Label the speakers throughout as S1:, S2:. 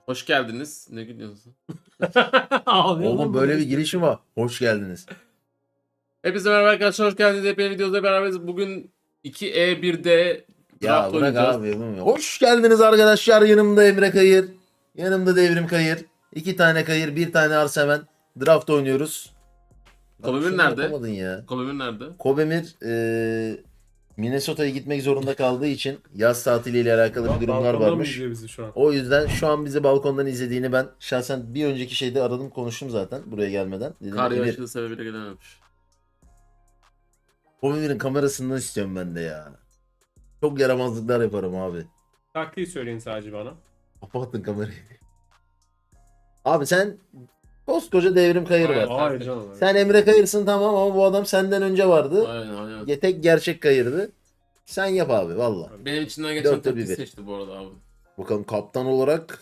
S1: Hoş geldiniz. Ne gülüyorsun?
S2: Ağlıyor
S3: Oğlum
S2: lan
S3: böyle
S2: bu.
S3: bir girişim var. Hoş geldiniz.
S1: Hepinize merhaba arkadaşlar. Hoş geldiniz. Hepiniz videoda beraberiz. Bugün 2E1'de
S3: Ya
S1: draft
S3: bırak
S1: oynayacağız.
S3: abi. yapamıyorum. Hoş geldiniz arkadaşlar. Yanımda Emre Kayır. Yanımda Devrim Kayır. 2 tane Kayır, bir tane Arsemen. Draft oynuyoruz.
S1: Kobemir
S3: Şunu
S1: nerede?
S3: yapamadın ya.
S1: Kobemir nerede?
S3: Kobemir Minnesota'ya gitmek zorunda kaldığı için yaz tatiliyle alakalı bir durumlar
S2: Balkonda mı
S3: varmış.
S2: izliyor bizi şu an?
S3: O yüzden şu an bizi balkondan izlediğini ben şahsen bir önceki şeyde aradım, konuştum zaten buraya gelmeden. Dedim
S1: Kar
S3: Emir,
S1: yağışı sebebiyle gelememiş.
S3: Kobemir'in kamerasından istiyorum ben de ya. Çok yaramazlıklar yaparım abi.
S2: Taktiği söyleyin sadece bana.
S3: Kapattın kamerayı. Abi sen koskoca Devrim Kayır
S1: Aynen.
S3: var.
S2: Hayır canım.
S3: Sen Emre Kayırsın tamam ama bu adam senden önce vardı.
S1: Aynen.
S3: Tek gerçek Kayırdı. Sen yap abi valla.
S1: Benim içinden geçen
S3: Dörtte
S1: taktiği
S3: bir.
S1: seçti bu arada abi.
S3: Bakalım kaptan olarak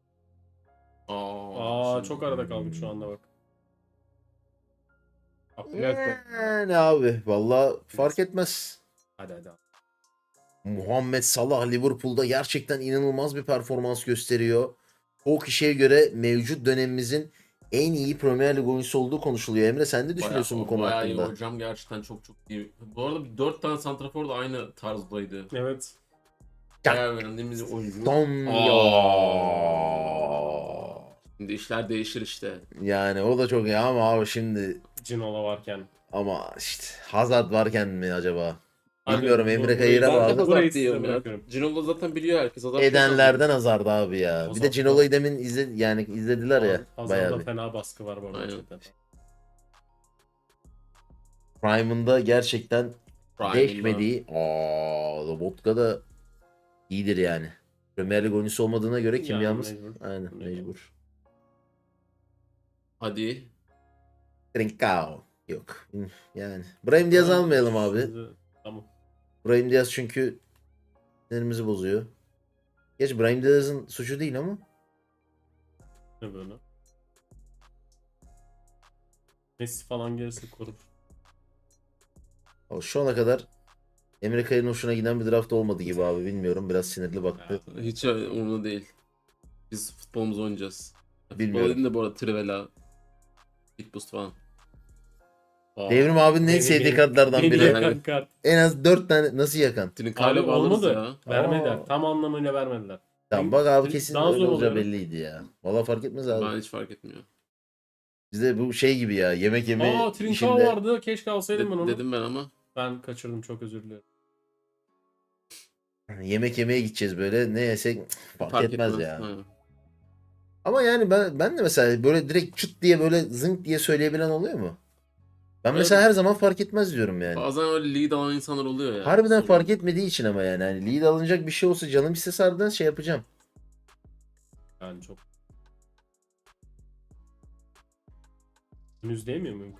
S2: Aa çok arada kaldık şu anda bak. Abdülhak
S3: yani abi valla fark etmez.
S2: hadi.
S3: Muhammed Salah Liverpool'da gerçekten inanılmaz bir performans gösteriyor. O kişiye göre mevcut dönemimizin en iyi Premier Lig oyuncusu olduğu konuşuluyor. Emre sen ne düşünüyorsun bu konu
S1: bayağı iyi
S3: hakkında?
S1: hocam, gerçekten çok iyi. Bu arada 4 tane santrafor da aynı tarzdaydı.
S2: Evet.
S1: Bayağı beğendiğimiz oyuncu.
S3: Tom
S1: Aa.
S3: ya.
S1: Şimdi işler değişir işte.
S3: Yani o da çok iyi ama abi şimdi
S2: Cinola varken.
S3: ama işte Hazard varken mi acaba?
S2: Abi,
S3: Bilmiyorum,
S2: bu-
S3: Emre
S2: burayı
S3: Kayır'a
S2: ben de
S3: bağlı.
S2: Burayı
S1: Hazard
S2: size
S1: diyorum ya.
S2: bırakıyorum.
S1: Ginola zaten biliyor herkes. Hazard çok
S3: Edenlerden Hazard abi ya. Bir de
S2: Hazard
S3: Cinola'yı demin izlediler ya.
S2: Hazarda
S3: Bayağı bir.
S2: fena baskı var bu arada.
S1: Aynen.
S2: gerçekten.
S3: Prime'ında gerçekten
S1: Prime'ında.
S3: değişmediği. Lobotka da iyidir yani. Premier Lig oyuncusu olmadığına göre
S2: Yani
S3: kimyamız.
S2: mecbur.
S3: Aynen
S2: Mecbur.
S3: mecbur.
S1: Hadi.
S3: Trincao. Yok. Yani. Brahim Diaz almayalım abi.
S2: Şimdi- Tamam.
S3: Brahim Diaz çünkü sinirimizi bozuyor. Geç Brahim Diaz'ın suçu değil ama.
S2: Ne böyle? Messi falan gelirse korur.
S3: Şu ana kadar Emre Kayır'ın hoşuna giden bir draft olmadı gibi abi. Bilmiyorum. Biraz sinirli baktı.
S1: Hiç umurumda değil. Biz futbolumuzu oynayacağız.
S3: Bilmiyorum.
S1: Futbol dedim de bu arada Trivela, Bitboost falan.
S3: Devrim abinin en sevdiği kartlardan
S2: Beni
S3: biri.
S2: yakan kart.
S3: En az 4 tane nasıl yakan?
S2: Abi
S1: Trinkalo alırız
S2: olmadı.
S1: ya.
S2: Vermediler.
S3: Aa.
S2: Tam anlamıyla vermediler.
S3: Tamam bak abi
S2: Trin-
S3: kesin
S2: daha
S3: öyle
S2: zor
S3: olacağı
S2: oluyor.
S3: belliydi ya. Valla fark etmez abi.
S1: Ben hiç fark etmiyor.
S3: Bizde bu şey gibi ya, yemek yeme
S2: Aa Trincao
S3: işinde
S2: vardı. Keşke alsaydım ben onu.
S1: Dedim ben ama.
S2: Ben kaçırdım, çok özür dilerim.
S3: yemek yemeye gideceğiz böyle, ne yesek fark etmez ya.
S1: Aynen.
S3: Ama yani ben de mesela böyle direkt çıt diye böyle zınk diye söyleyebilen oluyor mu? Ben
S1: Evet.
S3: mesela her zaman fark etmez diyorum yani.
S1: Bazen öyle lead alan insanlar oluyor ya.
S3: Harbiden
S1: Sonra-
S3: fark etmediği için ama yani lead alınacak bir şey olsa canım istese harbiden şey yapacağım.
S2: Yani çok. Henüz değmiyor muyum?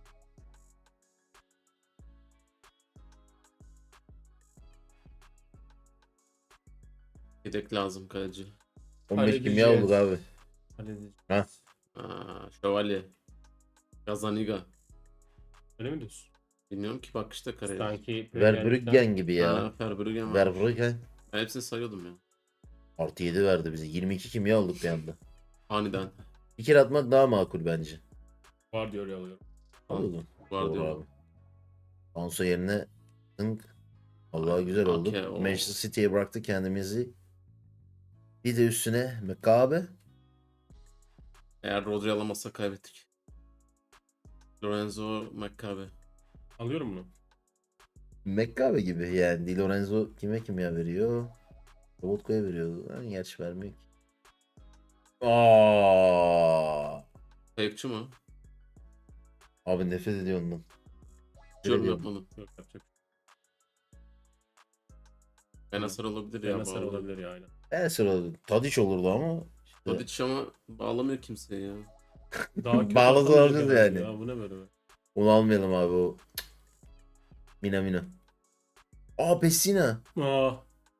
S1: Yedek lazım kaleci.
S3: 15 kimya
S2: Halledeceğiz.
S3: olduk abi.
S2: Halledeceğiz.
S1: Şövalye. Gazaniga.
S2: Öyle mi diyorsun?
S1: Bilmiyorum ki, bak işte kareye.
S2: Sanki
S3: Verbruggen gibi ya.
S1: Verbruggen var.
S3: Verbruggen.
S1: Ben hepsini sayıyordum ya.
S3: Artı 7 verdi bize. 22 kimya olduk bir anda.
S1: Aniden.
S3: Bir kere atmak daha makul bence.
S2: var diyor, öyle alıyorum.
S3: Anladım.
S1: Var
S3: Doğru
S1: diyor.
S3: abi. Alonso yerine Zınk. Vallahi güzel oldu.
S1: Ake, o.
S3: Manchester City'ye bıraktık kendimizi. Bir de üstüne Mekabe.
S1: Eğer Rodri alamazsa kaybettik. Lorenzo Maccabi.
S2: Alıyorum bunu.
S3: Mekabe gibi yani. Di Lorenzo kime kimya veriyor? Robotko'ya veriyor. Yani gerçi vermiyor ki.
S1: Kayıpçı mı?
S3: Abi nefret ediyor ondan.
S1: Hiç yorum
S3: ediyorum.
S1: yapmadım.
S2: Yok, yapacak.
S1: Benacer olabilir ya.
S2: Benacer
S1: bağlı.
S2: olabilir ya, aynen.
S3: En sıra Tadiç olurdu ama. işte
S1: Tadic ama bağlamıyor kimseyi ya.
S2: Daha kötü
S3: Bağladı
S2: atamayacak
S3: alacağız
S2: herhalde
S3: yani.
S2: Ya, bu ne böyle?
S3: Onu almayalım abi o. Mina. Pessina.
S2: Aa,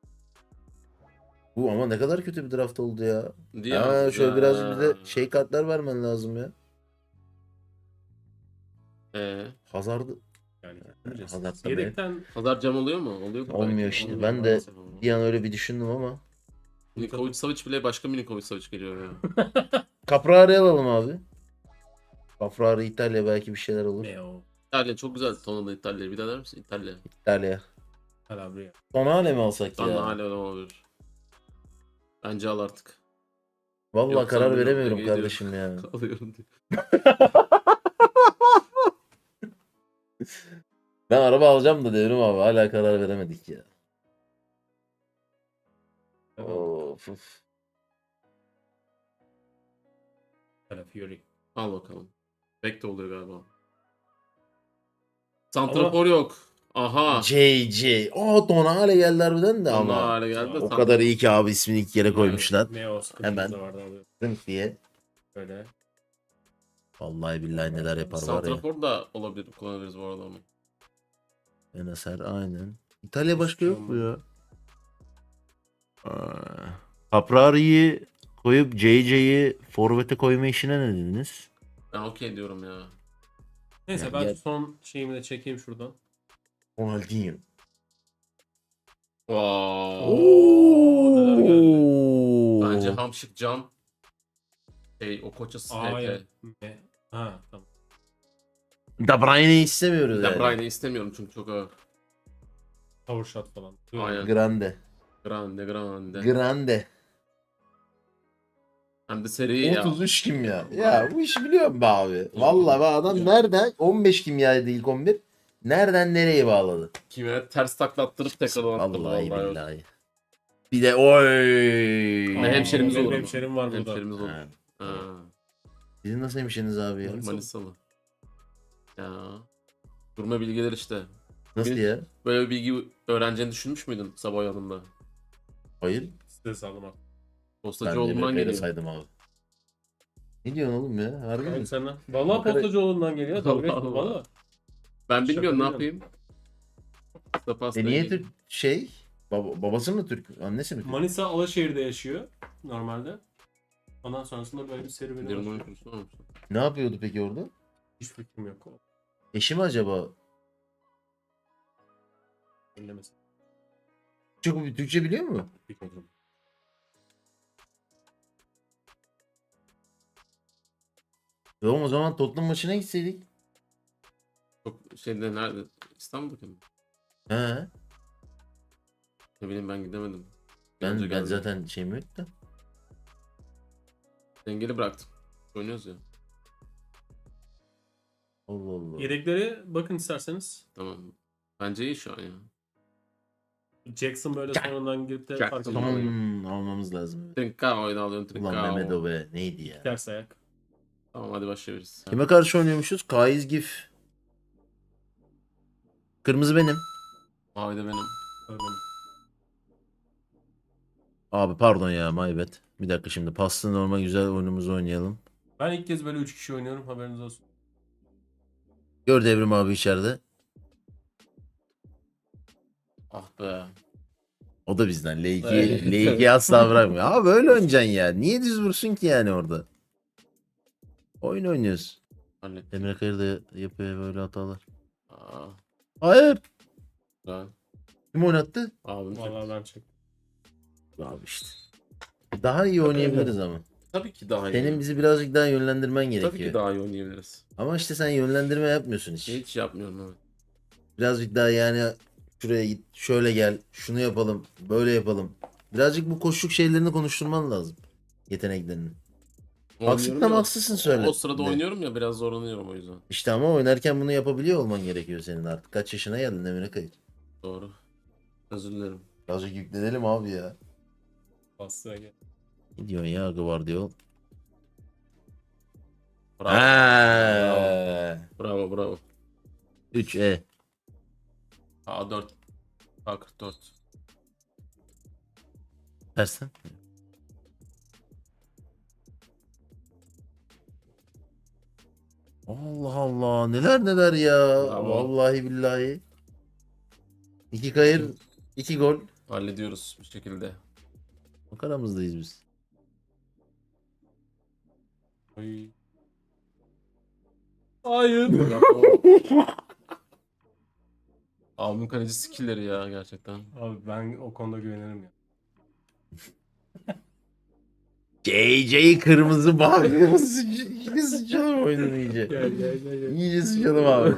S3: Bu ama ne kadar kötü bir draft oldu ya.
S1: Diye
S3: Şöyle birazcık bize şey kartlar vermen lazım ya. Hazard'ı
S2: yani
S3: Hazard da
S2: yedekten
S1: Hazard cam oluyor mu? Oluyor mu?
S3: Olmuyor
S1: Belki.
S3: işte.
S1: Olmuyor
S3: Ben de
S1: maalesef ama.
S3: bir an öyle bir düşündüm ama
S1: Milinkovic Savic bile başka Milinkovic Savic geliyor ya.
S3: Caprari alalım abi. Caprari İtalya belki bir şeyler olur.
S2: Ne o?
S1: İtalya çok güzel tonladı İtalya. Bir daha der misin? İtalya.
S3: İtalya.
S2: Calabria.
S3: Tonale mi alsak
S1: Sonra
S3: ya?
S1: hala olabilir. Bence al artık.
S3: Vallahi
S1: Yoksa
S3: karar
S1: bilmiyorum,
S3: veremiyorum
S1: Ege'yi
S3: kardeşim ya.
S1: Alıyorum diyor.
S3: Ben araba alacağım da Devrim abi hala karar veremedik ya. Of, of.
S2: Calafiori.
S1: Al bakalım. Bek de oluyor galiba. Santrafor yok. Aha.
S3: JJ. Tonale geldi harbiden de
S1: Ama
S3: ama.
S1: hale geldi de
S3: O
S1: santrafor.
S3: kadar iyi ki abi ismini ilk yere koymuşlar.
S2: Ne o? Sıkıntımız
S3: Hemen.
S2: da vardı abi.
S3: Zınk diye.
S2: Böyle.
S3: Vallahi billahi neler yapar var ya.
S1: Santrafor da olabilir. Kullanabiliriz bu arada onu.
S3: Enaser aynen. İtalya başka
S2: Hiçbir şey
S3: yok mu ya? Caprari'yi koyup JJ'yi forvete koyma işine ne dediniz?
S1: Ben okey diyorum ya.
S2: Neyse
S3: Yani
S2: ben
S3: gel-
S2: son şeyimi de çekeyim şuradan.
S3: Ronaldinho.
S1: Wow.
S2: neler geldi.
S1: Bence Hamşik Can. O koçası
S2: Hayır.
S1: TT.
S2: Ha tamam.
S3: De Bruyne'yi istemiyoruz
S1: De
S3: yani.
S1: Bruyne'i istemiyorum çünkü çok ağır.
S2: Power shot falan.
S1: Aynen.
S3: Grande.
S1: Grande grande.
S3: Grande.
S1: Hem de seri ya.
S3: 33 kimya. Ya bu işi biliyorum be abi. Vallahi be adam nereden 15 kimyaydı ilk 11. Nereden nereye bağladı?
S1: Kime ters taklattırıp tekrar attı.
S3: Vallahi billahi. Bir de oy.
S1: Ne hemşerimiz
S2: benim
S1: olur mu?
S2: hemşerim var burada.
S1: Hemşerimiz olur.
S3: Ha.
S1: Ha.
S3: Sizin nasıl hemşiniz abi ya?
S2: Manisa.
S1: Manisalı. Ya. Durma bilgiler işte.
S3: Nasıl
S1: Benim-
S3: ya?
S1: Böyle bir bilgi öğreneceğini düşünmüş müydün sabah yanında?
S3: Hayır.
S2: Size sağlam abi.
S3: Ben
S1: Postacıoğlu'ndan
S3: Emre
S1: geliyor.
S3: saydım abi. Ne diyorsun oğlum ya? Harbi mi?
S2: Abi senden. Vallahi
S3: Makara-
S2: Postacıoğlu'ndan geliyor. Dalga geçme
S1: Allah.
S2: valla.
S1: Ben
S2: Şaka
S1: bilmiyorum ne
S2: değil
S1: yapayım. Pasta
S3: Niye Türk şey? Babası mı Türk? Annesi mi Türk?
S2: Manisa Alaşehir'de yaşıyor normalde. Ondan sonrasında böyle bir serüveni
S1: Derin
S2: var.
S1: oyun kurusu olmuş.
S3: Ne yapıyordu peki orada?
S2: Hiç fikrim yok.
S3: Eşi mi acaba?
S2: Dinlemesin.
S3: Türkçe biliyor mu?
S2: Bir kontrol.
S3: O zaman Tottenham maçına gitseydik.
S1: Çok şeyde nerede? İstanbul'da mı?
S3: He.
S1: Ne bileyim ben gidemedim.
S3: Ben
S1: Önce
S3: ben
S1: geldim.
S3: zaten şeyim yok da.
S1: Dengeli bıraktım. Oynuyoruz ya.
S3: Allah Allah.
S2: Yedekleri bakın isterseniz.
S1: Tamam. Bence iyi şu an ya.
S2: Jackson böyle sonradan girip de
S1: Jackson.
S2: fark
S1: Tamam.
S2: ediyor.
S3: Almamız lazım.
S1: Trinkao oyunu alıyorsun
S3: Ulan
S1: Trinkao.
S3: Mehmet o be neydi ya?
S2: Ters ayak.
S1: Tamam hadi başlayabiliriz.
S3: Kime karşı oynuyormuşuz? Kaiz Gif. Kırmızı benim.
S1: Mavi de benim.
S2: Öyle.
S3: Abi pardon ya my bad. Bir dakika şimdi paslı normal güzel oyunumuzu oynayalım.
S2: Ben ilk kez böyle 3 kişi oynuyorum haberiniz olsun.
S3: Gör Devrim abi içeride.
S1: Ah be.
S3: O da bizden. L2,
S1: Evet.
S3: L2 asla bırakmıyor. Abi böyle oynayacaksın ya. Niye düz vursun ki yani orada? Oyun oynuyoruz.
S1: Hallettim.
S3: Emre Kayır da yapıyor böyle hatalar.
S1: Aa,
S3: Hayır.
S1: güzel.
S3: Kim oynattı?
S1: Abim
S2: Vallahi
S1: çok.
S2: ben çektim.
S3: Abi işte. Daha iyi oynayabiliriz ama.
S1: Tabii ki daha iyi.
S3: Senin bizi birazcık daha yönlendirmen
S1: Tabii ki
S3: gerekiyor.
S1: daha iyi oynayabiliriz.
S3: Ama işte sen yönlendirme yapmıyorsun hiç.
S1: Hiç yapmıyorum evet.
S3: Birazcık daha yani şuraya git, şöyle gel, şunu yapalım, böyle yapalım. Birazcık bu koşluk şeylerini konuşturman lazım. Yeteneklerini. Haksız
S1: Oynuyorum
S3: tam
S1: ya.
S3: haksızsın söyle.
S1: O sırada oynuyorum ya biraz zorlanıyorum o yüzden.
S3: İşte ama oynarken bunu yapabiliyor olman gerekiyor senin artık. Kaç yaşına geldin Emre Kayır?
S1: Doğru. Özür dilerim.
S3: Birazcık yüklenelim abi ya.
S2: Bastığa gel.
S3: Ne diyorsun ya Guardiol?
S1: Bravo.
S3: Bravo.
S1: Bravo bravo.
S3: 3
S1: A4. A44.
S3: Tersten. Allah Allah neler neler ya.
S1: Bravo.
S3: Vallahi billahi. 2 kayır, 2 gol.
S1: Hallediyoruz bir şekilde.
S3: Bak aramızdayız biz.
S2: Ay. Hayır.
S1: Bravo. Abimin kaleci skillleri ya gerçekten.
S2: Abi ben o konuda güvenirim ya.
S3: JJ kırmızı bak. Sıçalım oyununu iyice.
S2: Gel.
S3: İyice sıçalım abi.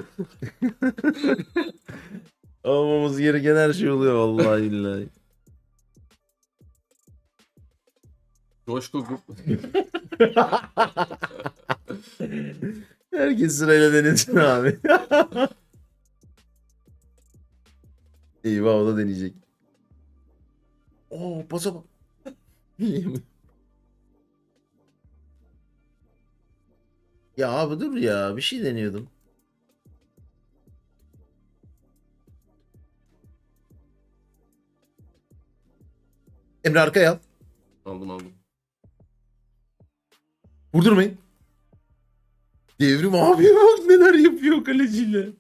S3: Olmamız gereken her şey oluyor vallahi billahi.
S1: Coşku grup.
S3: Herkes sırayla denesin abi. Eyvah o da deneyecek. Oo pasa bak. Ya abi dur ya bir şey deniyordum. Emre arkaya al.
S1: Aldım.
S3: Vurdurmayın. Devrim abi bak neler yapıyor kaleciyle.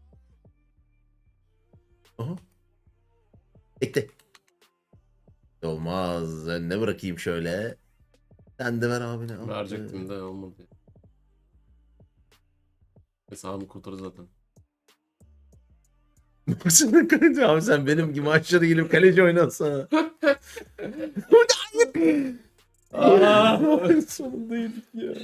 S3: Aha. Ekle. Olmaz. Önüne bırakayım şöyle. Sen de ver abine. al.
S1: Verecektim de olmadı. Hesabımı kurtarır zaten.
S3: Baksana kaleci abi sen benim gibi aşağıda gelip kaleci oynatsana. Sonunda yedik ya.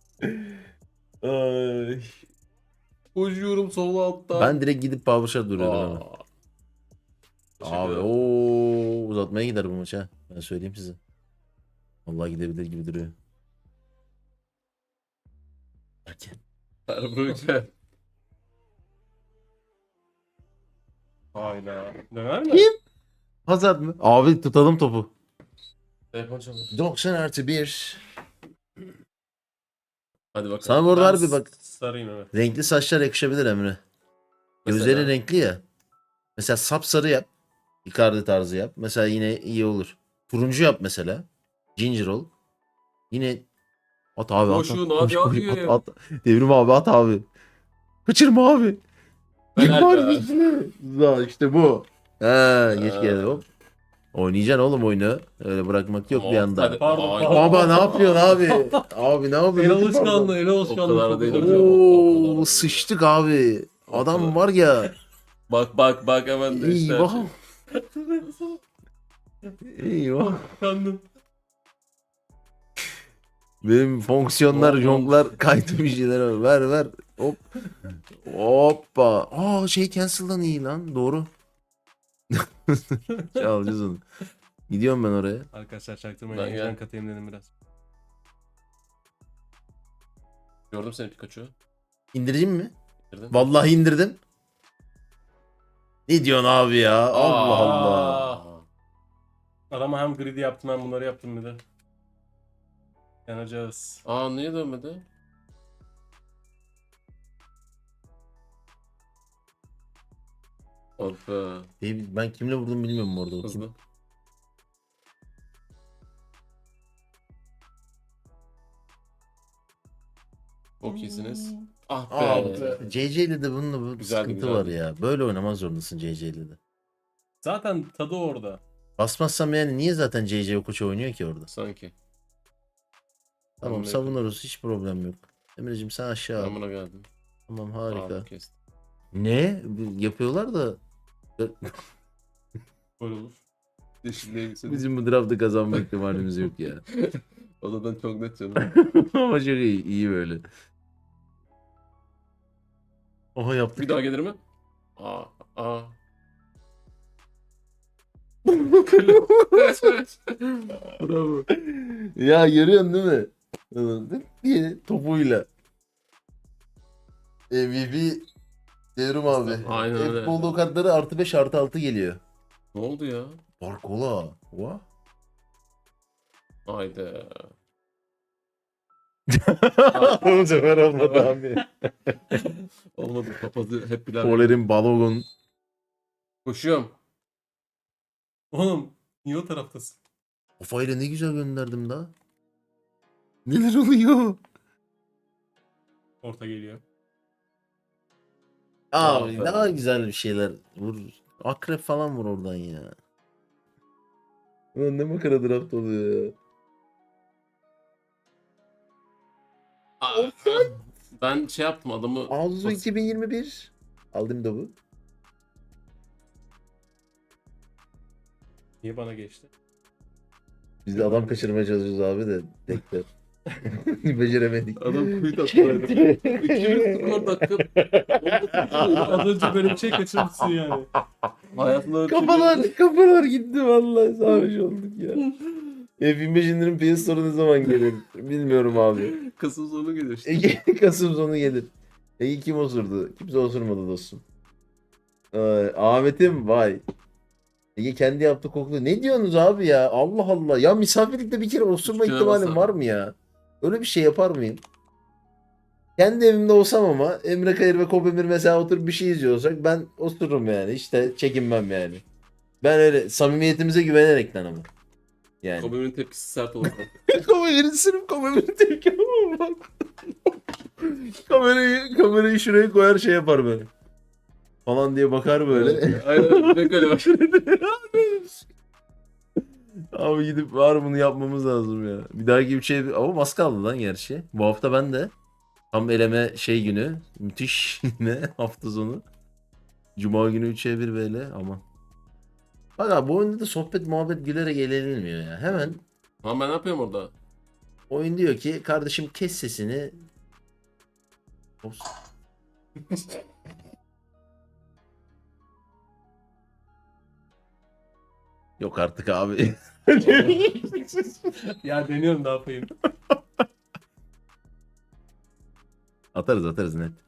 S3: Ay.
S1: Koşuyorum sol altta.
S3: Ben direkt gidip power shot duruyordum hemen. Abi o uzatmaya gider bu maç ha. Ben söyleyeyim size. Vallahi gidebilir gibi duruyor. Erken.
S1: Erbuğrul.
S2: Hayda. Döner mi?
S3: Kim? Hazard mı? Abi tutalım topu.
S1: Telefon çalıyor.
S3: 90+1.
S1: Hadi bakalım.
S3: Sana bu arada harbi bak.
S2: Sarayım evet.
S3: Renkli saçlar yakışabilir Emre.
S1: Mesela?
S3: Gözleri renkli ya. Mesela sapsarı yap. Icardi tarzı yap. Mesela yine iyi olur. Turuncu yap mesela. Ginger ol. Yine at abi at.
S1: Koşun,
S3: At,
S1: hadi,
S3: koş,
S1: hadi.
S3: at. Devrim abi at abi. Kaçırma abi.
S1: Helal be.
S3: Güzel işte bu. Ha, geç
S1: Ha.
S3: geldi hop. Oynayacaksın oğlum oyunu. Öyle bırakmak yok bir
S1: Tamam,
S3: anda.
S1: hadi.
S2: Pardon,
S1: Ay.
S2: pardon.
S3: Baba ne yapıyorsun abi? Abi ne
S2: El
S3: yapıyorsun?
S2: alışkanlığı, el
S1: O
S2: alışkanlığı.
S1: kadar
S2: çok
S1: değil
S2: kötü.
S1: hocam. O
S3: Oo
S1: kadar.
S3: sıçtık abi.
S1: O
S3: Adam
S1: kadar.
S3: var ya.
S1: Bak hemen de işte.
S3: Eyvah. Eyvah.
S2: Kandım.
S3: Benim fonksiyonlar,
S1: Oğlum.
S3: jonklar kaydı bir şeyler var. Ver. Hop. Hoppa. Aa şey cancel'dan iyi lan. Doğru. Alacağız onu. Gidiyorum ben oraya.
S2: Arkadaşlar çaktırmayın.
S1: Ben
S2: Heyecan
S1: gel.
S2: katayım dedim biraz.
S1: Gördüm seni Pikachu.
S3: İndireyim mi?
S1: Girdin.
S3: Vallahi indirdim. Ne diyorsun abi ya? Allah Allah.
S1: Aa.
S2: Adama hem greedy yaptım hem bunları yaptım bir de. Yanacağız.
S1: Aa niye dönmedi? Oh be.
S3: Ben kimle vurdum bilmiyorum orada. O kim?
S1: Hızlı. Çok iyisiniz. Ah be.
S3: Abi CC ile de bununla bu
S1: Güzeldi,
S3: sıkıntı
S1: güzeldi.
S3: var ya. Böyle oynamaz zorundasın CC ile de.
S2: Zaten tadı orada.
S3: Basmazsam yani niye zaten CC o koça oynuyor ki orada?
S1: Sanki.
S3: Tamam
S1: Tamam,
S3: savunuruz hiç problem yok. Emre'cim sen aşağı
S1: Ben
S3: al.
S1: buna geldim.
S3: Tamam harika.
S1: Aa, kestim.
S3: Ne? Yapıyorlar da
S2: Böyle olur.
S1: Yeşilliğe gitsin.
S3: bizim bu draftı kazanma ihtimalimiz yok ya.
S1: Odadan çok net canım.
S3: Ama çok iyi böyle. Oha yaptık.
S1: Bir daha gelir mi? Aa.
S3: Bravo. Ya görüyorsun değil mi? Diye topuyla. MVP Devrim abi.
S1: Aynen öyle.
S3: Futbolda o kartları artı 5 artı 6 geliyor.
S1: Ne oldu ya?
S3: Barkola. What?
S1: Haydi.
S3: Bu sefer olmadı abi.
S1: Olmadı. Papazı hep bilen.
S3: Poler'in Balogun.
S1: Koşuyorum.
S2: Oğlum niye o taraftasın?
S3: Kafayla ne güzel gönderdim daha. Neler oluyor?
S2: Orta geliyor.
S3: Abi
S1: Aferin.
S3: daha güzel bir şeyler vur. Akrep falan vur oradan ya. Ulan ne makara draft oluyor ya.
S1: Ben şey yaptım adamı.
S3: Arzu 2021. Aldım da bu.
S2: Niye bana geçti?
S3: Biz de adam kaçırmaya çalışıyoruz abi de tekrar. Beceremedik.
S2: Adam kuyut attı. 200 skor dakika. 19 az önce böyle bir şey kaçırmışsın yani. Hayatında öyle bir şey
S3: Kafalar gitti vallahi sarhoş olduk ya. F25 indirim PS Store ne zaman gelir? Bilmiyorum abi.
S2: Kasım sonu geliyor işte.
S3: Ege Kasım sonu gelir. Ege kim osurdu? Kimse osurmadı dostum. Ahmet'im vay. Ege kendi yaptı koklu. Ne diyorsunuz abi ya? Allah Allah. Ya misafirlikte bir kere osurma
S2: Üstüne
S3: ihtimalim
S2: basar.
S3: var mı ya? Öyle bir şey yapar mıyım? Kendi evimde olsam ama Emre Kayır ve Kobemir mesela oturup bir şey izliyorsak ben osururum yani. Hiç de çekinmem yani. Ben öyle samimiyetimize güvenerekten ama. Yani.
S2: Kobe'nin tepkisi sert oldu.
S3: Kamerayı sırf kameranın tepki bak. Kamerayı şuraya koyar şey yapar böyle. Falan diye bakar böyle.
S2: Aynen. Pek öyle bak.
S3: Abi gidip var bunu yapmamız lazım ya. Bir dahaki bir şey ama az kaldı lan gerçi. Bu hafta ben de tam eleme şey günü. Müthiş yine hafta sonu. Cuma günü 3'e 1 böyle ama. Bak abi bu oyunda da sohbet muhabbet gülerek eğlenilmiyor ya. Hemen
S2: Ama ben ne yapıyorum orada?
S3: oyun diyor ki kardeşim kes sesini. Ops. Yok artık abi.
S2: Ya deniyorum ne yapayım.
S3: Atarız net.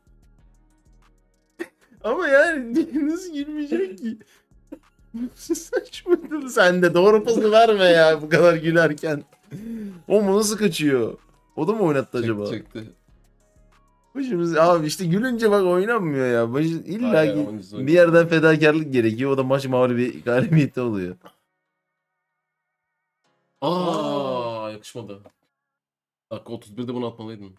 S3: Ama yani nasıl gülmeyecek ki? Saçma. Sen de doğru pozu verme ya bu kadar gülerken. O mu nasıl kaçıyor? O da mı oynattı acaba?
S2: Çıktı.
S3: Başımız abi işte gülünce bak oynanmıyor ya. İlla
S2: Hayır,
S3: ki
S2: oyuncusu
S3: bir yerden fedakarlık gerekiyor. O da maç mağlubi galibiyeti oluyor.
S2: Yakışmadı. Dakika 31'de bunu atmalıydın.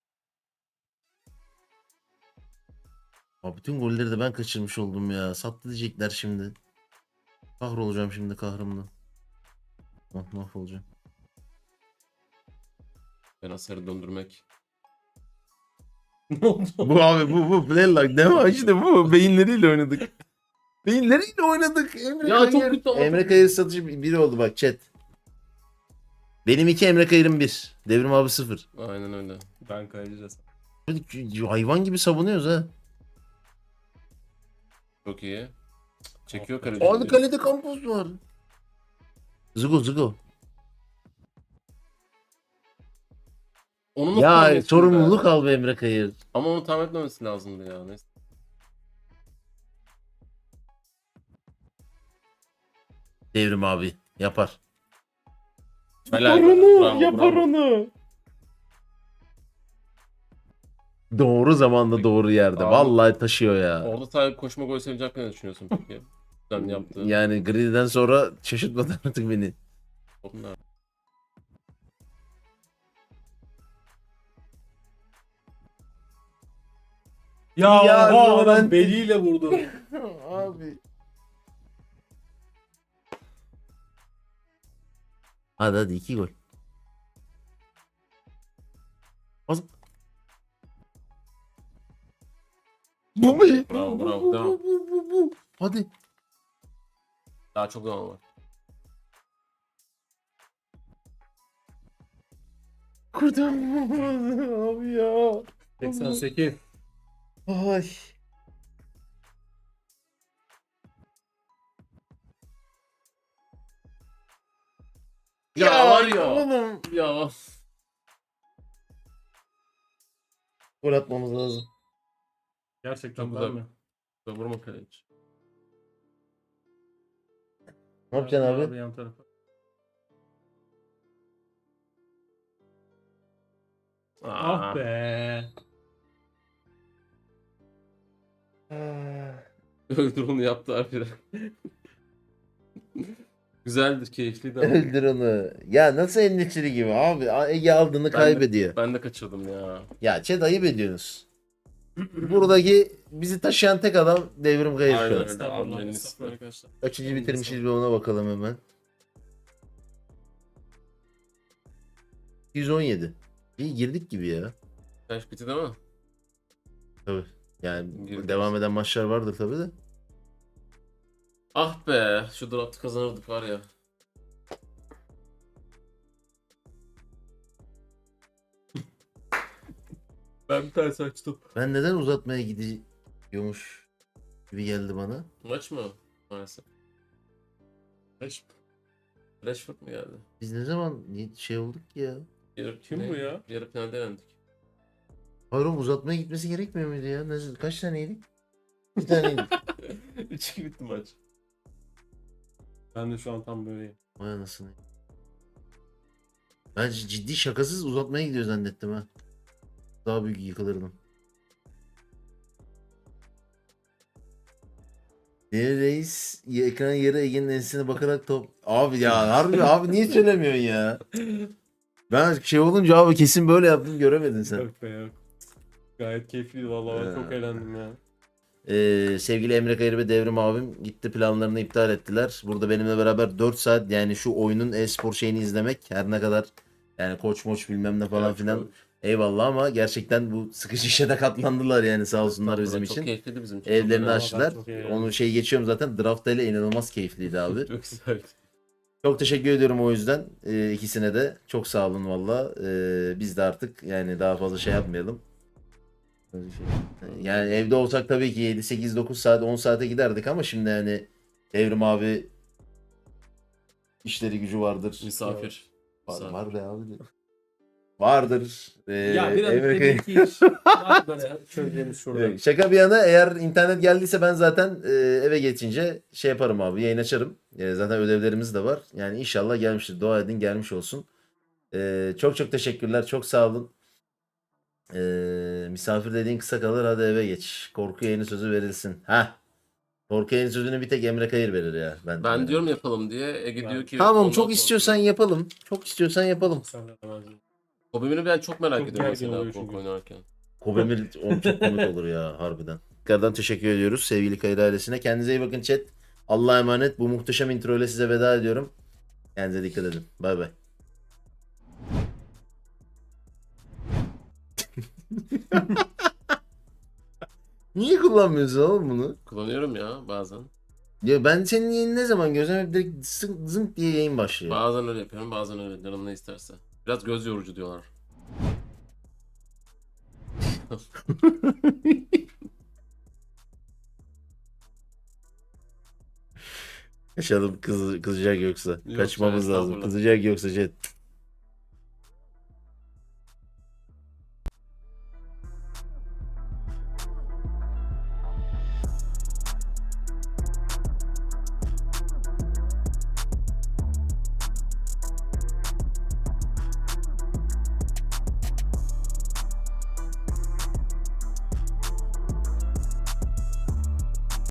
S3: Abi bütün golleri de ben kaçırmış oldum ya. Sattı diyecekler şimdi. Kahrolacağım şimdi kahrımla. Mahvolacağım.
S2: Ben asarı döndürmek. Ne oldu?
S3: Bu abi bu Playlock ne var işte bu beyinleriyle oynadık. Beyinleriyle oynadık. Emre
S2: Ya çok
S3: Kayır.
S2: kötü ama.
S3: Emre Kayır satıcı biri oldu bak chat. Benim 2 Emre Kayır'ım 1. Devrim abi 0.
S2: Aynen öyle. Ben kayacağız.
S3: Hayvan gibi savunuyoruz ha.
S2: Çok iyi. Çekiyor kaleci.
S3: Abi kalede Campos var. Zıgo.
S2: Onu mu
S3: Ya
S2: koyuyorsun
S3: sorumluluk
S2: be?
S3: al be Emre Kayır.
S2: Ama onu tahmin etmemesi lazımdı ya. Neyse.
S3: Devrim abi yapar.
S2: Helal be. Bravo.
S3: onu. Doğru zamanda doğru yerde.
S2: Abi-
S3: Vallahi taşıyor ya.
S2: Orada tabii koşma gol sevinecek ne düşünüyorsun peki? Sen yaptığın.
S3: Yani Gridi'den sonra şaşırtmadı artık beni.
S2: Onlar.
S3: Ya,
S2: oha,
S3: ben-
S2: beliyle vurdu.
S3: Abi. Hadi 2 gol. Bu mu?
S2: Bravo, devam.
S3: Bu. Hadi.
S2: Daha çok zaman var.
S3: Kurtaramadı abi ya.
S2: 88.
S3: Ay.
S2: Ya var ya.
S3: Oğlum.
S2: Ya.
S3: Gol atmamız lazım.
S2: Gerçekten
S1: Çok
S2: güzel
S1: güzel.
S2: mi? Vurma kaleci.
S3: Ne yapacaksın abi?
S2: Yan tarafa. Ah be. Öldür onu yaptı abi. Güzeldir, keyifliydi ama.
S3: Öldür onu. Ya nasıl endişeli gibi abi. Ege aldığını kaybediyor.
S2: Ben de kaçırdım ya.
S3: Ya Çet ayıp ediyorsunuz. Buradaki bizi taşıyan tek adam Devrim Kayır şu
S2: Aynen
S3: an.
S2: öyle.
S1: Estağfurullah,
S2: Abi,
S1: estağfurullah arkadaşlar.
S3: Kaçıncı bitirmişiz bir ona bakalım hemen. 117. İyi girdik gibi ya.
S2: Kaç bitti değil mi?
S3: Tabii. Yani
S2: Girdik.
S3: devam eden maçlar vardır tabii de.
S2: Ah be. Şu draftı kazanırdık var ya. Ben bir tane açtım.
S3: Ben neden uzatmaya gidiyormuş gibi geldi bana.
S1: Maç mı? Maalesef. Rashford mu geldi?
S3: Biz ne zaman şey olduk ki ya?
S2: Kim bu ya?
S1: Yarı finalde elendik.
S3: Hayır oğlum, uzatmaya gitmesi gerekmiyor muydu ya? Kaç taneydik? Bir taneydik.
S1: 3-2 bitti maç.
S2: Ben de şu an tam böyleyim.
S3: Vay anasını. Ben ciddi şakasız uzatmaya gidiyor zannettim ha. Daha büyük yıkılırdım. Deli Reis ekran yarı Ege'nin ensesine bakarak top... Abi ya harbi abi niye söylemiyorsun ya? Ben şey olunca abi kesin böyle yaptım, göremedin sen.
S2: Yok be yok. Gayet keyifliydi vallahi ben çok eğlendim ya.
S3: Sevgili Emre Kayır ve Devrim abim gitti, planlarını iptal ettiler. Burada benimle beraber 4 saat yani şu oyunun e-spor şeyini izlemek, her ne kadar yani koç moç bilmem ne falan
S2: Evet,
S3: filan,
S2: çok-
S3: eyvallah, ama gerçekten bu sıkıcı işe de katlandılar yani, sağ olsunlar bizim
S1: Çok
S3: için.
S1: keyifliydi bizim için.
S3: Evlerini
S1: Çok
S3: açtılar.
S2: çok eğlendim.
S3: Onu şey geçiyorum zaten, draft ile inanılmaz keyifliydi abi.
S1: Çok güzel.
S3: Çok teşekkür ediyorum o yüzden ikisine de. Çok sağ olun valla. Biz de artık yani daha fazla şey yapmayalım. Yani evde olsak tabii ki 7, 8, 9 saat, 10 saate giderdik ama şimdi yani Evrim abi işleri gücü vardır.
S1: Misafir.
S3: Var be abi. Vardır.
S2: Ya biraz
S3: Emre
S2: demek ki iş. Var böyle söyleyeceğimiz şurada.
S3: Evet, şaka bir yana, eğer internet geldiyse ben zaten eve geçince şey yaparım abi, yayın açarım. Zaten ödevlerimiz de var. Yani inşallah gelmiştir. Dua edin gelmiş olsun. Çok çok teşekkürler. Çok sağ olun. Misafir dediğin kısa kalır, hadi eve geç. Korku yayını sözü verilsin. Ha. Korku yayını sözünü bir tek Emre Kayır verir ya.
S1: Ben diyorum yapalım diye. Ege
S2: Ben-
S1: diyor ki...
S3: Tamam,
S1: ondan
S3: çok
S1: sonra-
S3: istiyorsan yapalım. Çok istiyorsan yapalım.
S2: Sen de demezsin.
S1: Kobemini ben çok merak
S2: Çok
S1: ediyorum
S2: gergin
S1: mesela
S2: oluyor
S1: korku
S2: çünkü.
S1: oynarken.
S3: Kobemir oğlum çok komik olur ya harbiden. Tekrardan teşekkür ediyoruz sevgili Kayır ailesine. Kendinize iyi bakın chat. Allah'a emanet. Bu muhteşem intro ile size veda ediyorum. Kendinize dikkat edin. Bay bay. Niye kullanmıyorsun oğlum bunu?
S1: Kullanıyorum ya bazen.
S3: Ya ben senin yayını ne zaman görsem hep direkt zınk diye yayın başlıyor.
S1: Bazen öyle yapıyorum, bazen öyle. Canım ne isterse. Biraz göz yorucu diyorlar.
S3: Kaçalım, kızacak yoksa.
S1: Yok,
S3: Kaçmamız lazım.
S1: estağfurullah.
S3: Kızacak yoksa chat.